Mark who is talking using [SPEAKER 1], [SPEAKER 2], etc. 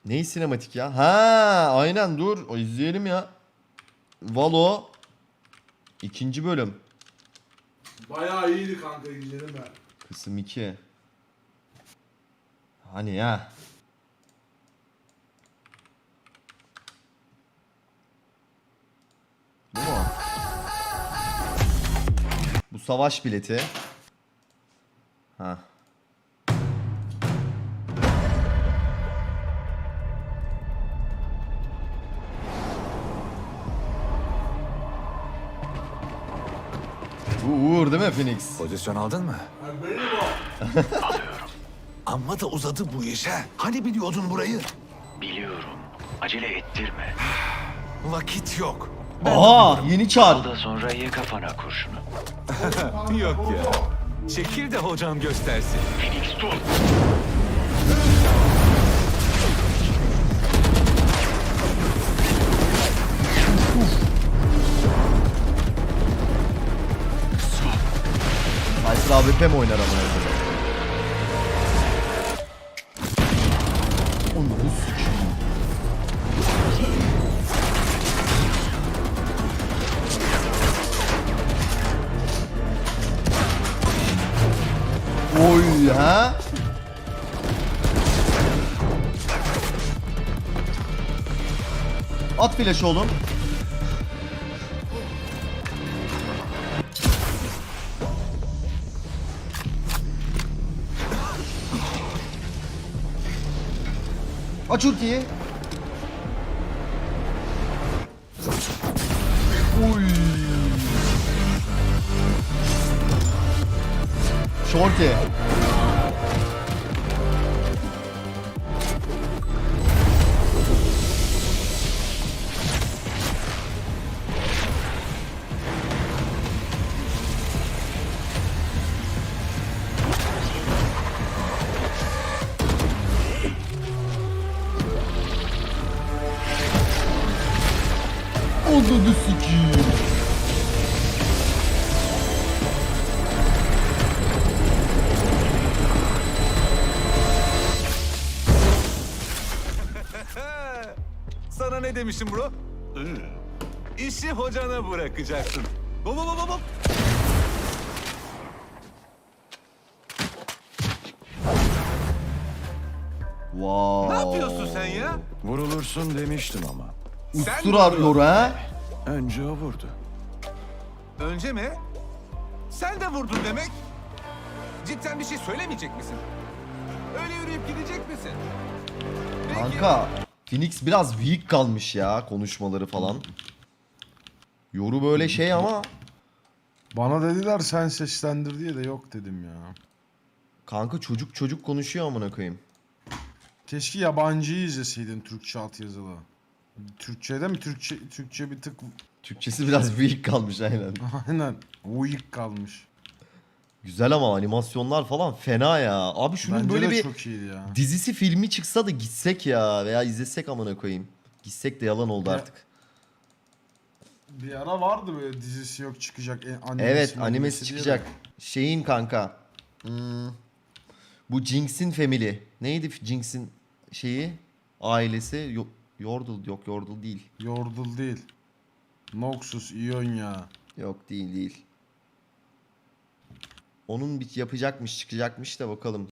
[SPEAKER 1] Ney sinematik ya? Ha, aynen dur. O izleyelim ya. Valo. 2. bölüm.
[SPEAKER 2] Bayağı iyiydi kanka, izledim ben.
[SPEAKER 1] Kısım 2. Hani ya. Bu mu? Bu savaş bileti. Ha. Bu Uğur değil mi Phoenix?
[SPEAKER 3] Pozisyon aldın mı?
[SPEAKER 2] Yani benim o.
[SPEAKER 3] Amma da uzadı bu iş ha. Hani biliyordun burayı?
[SPEAKER 4] Biliyorum. Acele ettirme.
[SPEAKER 3] Vakit yok.
[SPEAKER 1] Aha, yeni çar.
[SPEAKER 4] Al da sonra ye kafana kurşunu.
[SPEAKER 3] Yok ya. Çekil de hocam göstersin.
[SPEAKER 4] Phoenix dur.
[SPEAKER 1] Ayşe AWP mi oynar ama orada? Onu sikeyim. Oy ha? At flash oğlum. Aç ultiyi. Uy. Shorty. Ananı sikiyim.
[SPEAKER 3] Sana ne demişim bro? İşi hocana bırakacaksın. Hop hop hop hop.
[SPEAKER 1] Wow.
[SPEAKER 3] Ne yapıyorsun sen ya?
[SPEAKER 5] Vurulursun demiştim ama.
[SPEAKER 3] Sen
[SPEAKER 1] Ustur
[SPEAKER 3] mi
[SPEAKER 1] arıyor ha?
[SPEAKER 5] Önce o vurdu.
[SPEAKER 3] Önce mi? Sen de vurdun demek. Cidden bir şey söylemeyecek misin? Öyle yürüyüp gidecek misin? Peki.
[SPEAKER 1] Kanka Phoenix biraz weak kalmış ya konuşmaları falan. Yoru böyle şey ama
[SPEAKER 2] Bana dediler sen seslendir diye de yok dedim ya.
[SPEAKER 1] kanka çocuk çocuk konuşuyor amına koyayım.
[SPEAKER 2] Keşke yabancıyı izleseydin Türkçe altyazılı. Türkçe'de mi? Türkçe bir tık
[SPEAKER 1] Türkçesi biraz weak kalmış aynen.
[SPEAKER 2] aynen uyuk kalmış.
[SPEAKER 1] Güzel ama animasyonlar falan fena ya. Abi şunun
[SPEAKER 2] Bence
[SPEAKER 1] böyle
[SPEAKER 2] de
[SPEAKER 1] bir
[SPEAKER 2] çok iyiydi ya.
[SPEAKER 1] dizisi filmi çıksa da gitsek ya veya izlesek amına koyayım. Gitsek de yalan oldu
[SPEAKER 2] Ya,
[SPEAKER 1] artık.
[SPEAKER 2] Bir ara vardı böyle dizisi yok çıkacak. Animesi
[SPEAKER 1] Evet
[SPEAKER 2] mi,
[SPEAKER 1] animesi
[SPEAKER 2] diye de.
[SPEAKER 1] çıkacak. Şeyin kanka. Bu Jinx'in family. Neydi Jinx'in şeyi? Ailesi. Yordle yok Yordle değil.
[SPEAKER 2] Yordle değil. Noxus, Ionia.
[SPEAKER 1] Yok değil değil. Onun bir yapacakmış çıkacakmış da bakalım.